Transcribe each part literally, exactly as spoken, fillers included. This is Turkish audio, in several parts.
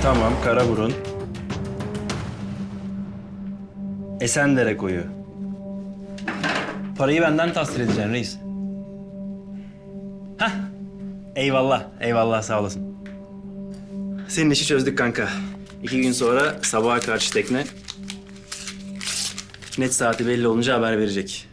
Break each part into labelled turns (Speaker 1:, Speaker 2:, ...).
Speaker 1: Tamam, Karaburun. Esendere koyu. Parayı benden tahsil edeceksin reis. Hah. Eyvallah, eyvallah sağ olasın. Senin işi çözdük kanka. İki gün sonra sabaha karşı tekne. Net saati belli olunca haber verecek.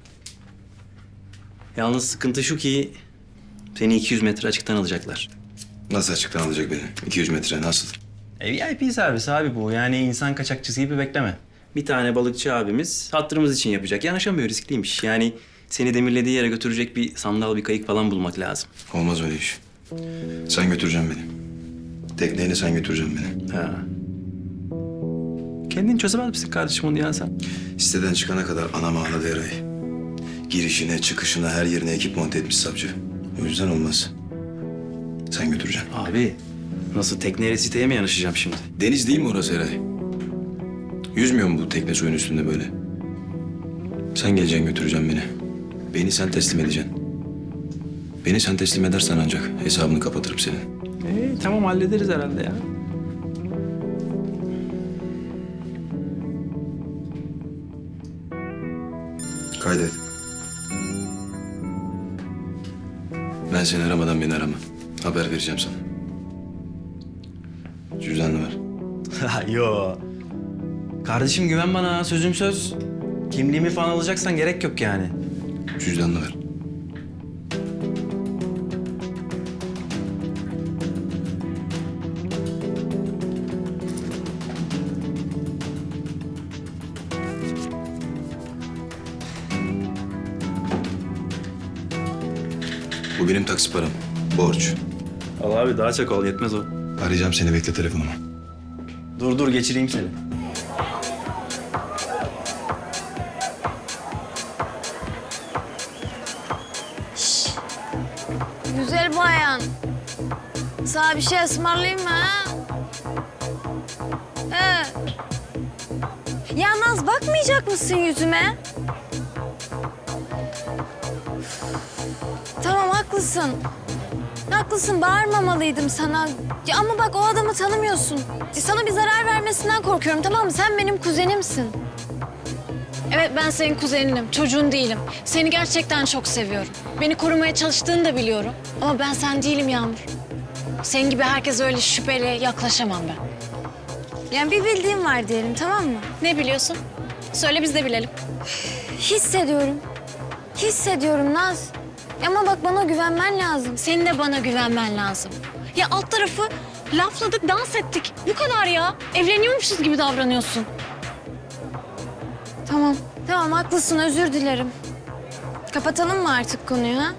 Speaker 1: Yalnız sıkıntı şu ki seni iki yüz metre açıktan alacaklar.
Speaker 2: Nasıl açıktan alacak beni? iki yüz metre nasıl?
Speaker 1: E, V I P servis abi bu. Yani insan kaçakçısı gibi bekleme. Bir tane balıkçı abimiz hatırımız için yapacak. Yanaşamıyor, riskliymiş. Yani seni demirlediği yere götürecek bir sandal, bir kayık falan bulmak lazım.
Speaker 2: Olmaz öyle iş. Sen götüreceksin beni. Tekneyle sen götüreceksin beni.
Speaker 1: Ha. Kendin çözemez misin kardeşim onu ya sen?
Speaker 2: Siteden çıkana kadar anam ağladı Eray. Girişine, çıkışına, her yerine ekip monte etmiş savcı. O yüzden olmaz. Sen götüreceksin.
Speaker 1: Abi nasıl tekneyle siteye mi yanaşacağım şimdi?
Speaker 2: Deniz değil mi orası Eray? Yüzmüyor mu bu tekne suyun üstünde böyle? Sen geleceksin götüreceksin beni. Beni sen teslim edeceksin. Beni sen teslim edersen ancak hesabını kapatırım senin.
Speaker 1: İyi tamam hallederiz herhalde ya.
Speaker 2: Kaydet. Ben seni aramadan beni arama. Haber vereceğim sana. Cüzdanını ver.
Speaker 1: Ha, yo. Kardeşim güven bana, sözüm söz. Kimliğimi falan alacaksan gerek yok yani.
Speaker 2: Cüzdanını ver. Bu benim taksi param. Borç.
Speaker 1: Al abi daha çok ol, yetmez o.
Speaker 2: Arayacağım seni, bekle telefonumu.
Speaker 1: Dur dur geçireyim seni.
Speaker 3: Güzel bayan. Sana bir şey ısmarlayayım mı ha? He. Ya Naz bakmayacak mısın yüzüme? Tamam haklısın. Haklısın bağırmamalıydım sana. Ya ama bak o adamı tanımıyorsun. Sana bir zarar vermesinden korkuyorum tamam mı? Sen benim kuzenimsin. Evet ben senin kuzeninim, çocuğun değilim. Seni gerçekten çok seviyorum. Beni korumaya çalıştığını da biliyorum. Ama ben sen değilim Yağmur. Senin gibi herkes öyle şüpheli yaklaşamam ben. Yani bir bildiğim var diyelim tamam mı? Ne biliyorsun? Söyle biz de bilelim. Hissediyorum. Hissediyorum Naz. Ama bak bana güvenmen lazım. Senin de bana güvenmen lazım. Ya alt tarafı lafladık, dans ettik. Bu kadar ya. Evleniyormuşuz gibi davranıyorsun. Tamam. Tamam haklısın özür dilerim. Kapatalım mı artık konuyu ha?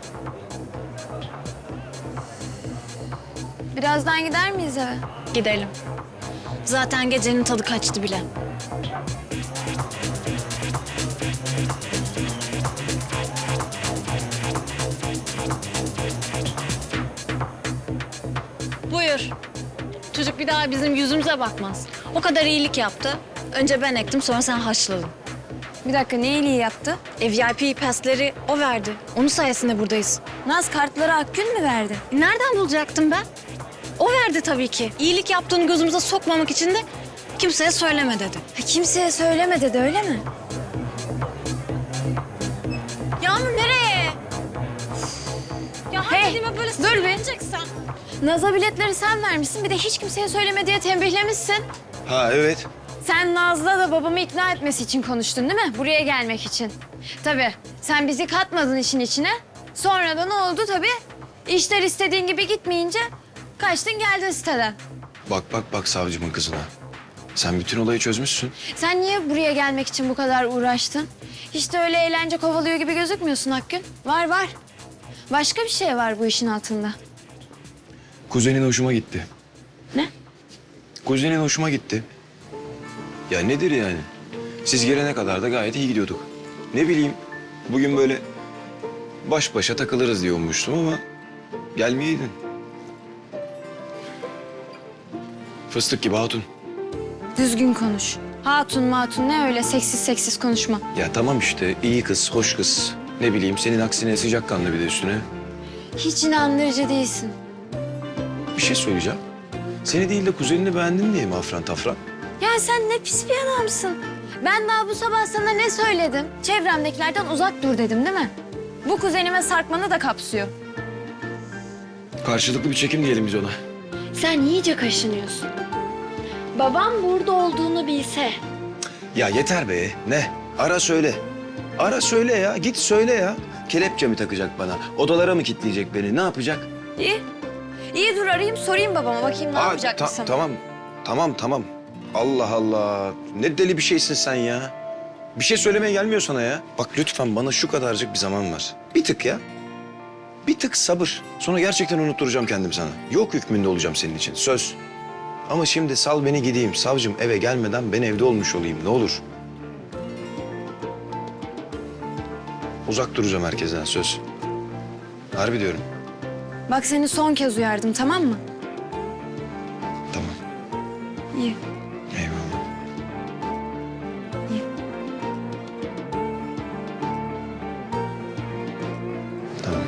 Speaker 3: Birazdan gider miyiz eve? Gidelim. Zaten gecenin tadı kaçtı bile. Buyur. Çocuk bir daha bizim yüzümüze bakmaz. O kadar iyilik yaptı. Önce ben ektim sonra sen haşladın. Bir dakika ne iyiliği yaptı? E, V I P pasleri o verdi. Onun sayesinde buradayız. Naz kartları Akgün mü verdi? E, nereden bulacaktım ben? O verdi tabii ki. İyilik yaptığını gözümüze sokmamak için de kimseye söyleme dedi. Ha, kimseye söyleme dedi öyle mi? Yağmur nereye? Ya hey, dediğime böyle dur be. Naz'a biletleri sen vermişsin. Bir de hiç kimseye söyleme diye tembihlemişsin.
Speaker 2: Ha evet.
Speaker 3: Sen Naz'la da babamı ikna etmesi için konuştun değil mi? Buraya gelmek için. Tabii sen bizi katmadın işin içine. Sonra da ne oldu tabii? İşler istediğin gibi gitmeyince kaçtın geldin siteden.
Speaker 2: Bak bak bak savcımın kızına. Sen bütün olayı çözmüşsün.
Speaker 3: Sen niye buraya gelmek için bu kadar uğraştın? Hiç de öyle eğlence kovalıyor gibi gözükmüyorsun Akgün. Var var. Başka bir şey var bu işin altında.
Speaker 2: Kuzenin hoşuma gitti.
Speaker 3: Ne?
Speaker 2: Kuzenin hoşuma gitti. Ya nedir yani? Siz gelene kadar da gayet iyi gidiyorduk. Ne bileyim, bugün böyle baş başa takılırız diye ummuştum ama gelmeyeydin. Fıstık gibi hatun.
Speaker 3: Düzgün konuş. Hatun matun ne öyle seksiz seksiz konuşma.
Speaker 2: Ya tamam işte, iyi kız, hoş kız. Ne bileyim, senin aksine sıcakkanlı bir de üstüne.
Speaker 3: Hiç inandırıcı değilsin.
Speaker 2: Bir şey söyleyeceğim. Seni değil de kuzenini beğendin diye mi afran tafran?
Speaker 3: Ya sen ne pis bir adamsın. Ben daha bu sabah sana ne söyledim? Çevremdekilerden uzak dur dedim değil mi? Bu kuzenime sarkmanı da kapsıyor.
Speaker 2: Karşılıklı bir çekim diyelim biz ona.
Speaker 3: Sen iyice kaşınıyorsun. Babam burada olduğunu bilse.
Speaker 2: Ya yeter be. Ne? Ara söyle. Ara söyle ya. Git söyle ya. Kelepçe mi takacak bana? Odalara mı kilitleyecek beni? Ne yapacak?
Speaker 3: İyi. İyi dur arayayım sorayım babama bakayım ne
Speaker 2: Aa,
Speaker 3: yapacak
Speaker 2: ta-
Speaker 3: mısın?
Speaker 2: Tamam. Tamam tamam. Allah Allah. Ne deli bir şeysin sen ya. Bir şey söylemeye gelmiyor sana ya. Bak lütfen bana şu kadarcık bir zaman ver. Bir tık ya. Bir tık sabır. Sonra gerçekten unutturacağım kendim sana. Yok hükmünde olacağım senin için. Söz. Ama şimdi sal beni gideyim. Savcım eve gelmeden ben evde olmuş olayım. Ne olur. Uzak duracağım herkesten söz. Harbi diyorum.
Speaker 3: Bak seni son kez uyardım tamam mı?
Speaker 2: Tamam.
Speaker 3: İyi.
Speaker 2: Eyvallah.
Speaker 3: İyi.
Speaker 2: Tamam.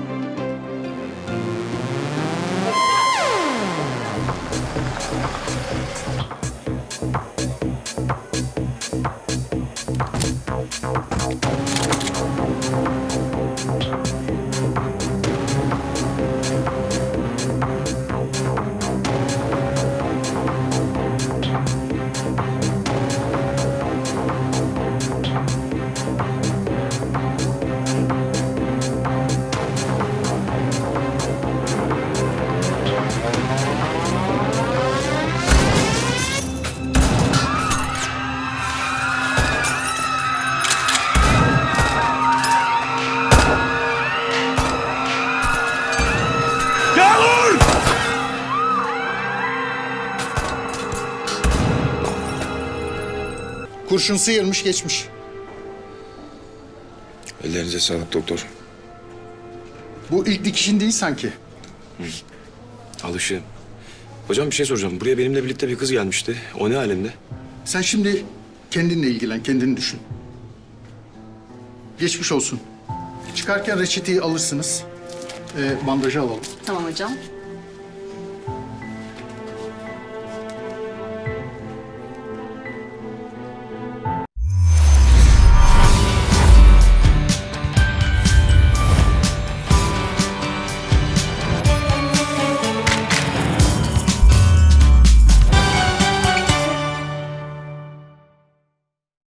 Speaker 4: Kurşun sıyırmış geçmiş.
Speaker 2: Ellerinize sağlık doktor.
Speaker 4: Bu ilk dikişin değil sanki.
Speaker 2: Alışığım. Hocam bir şey soracağım. Buraya benimle birlikte bir kız gelmişti. O ne alemde?
Speaker 4: Sen şimdi kendinle ilgilen, kendini düşün. Geçmiş olsun. Çıkarken reçeteyi alırsınız. Ee, bandajı alalım.
Speaker 5: Tamam hocam.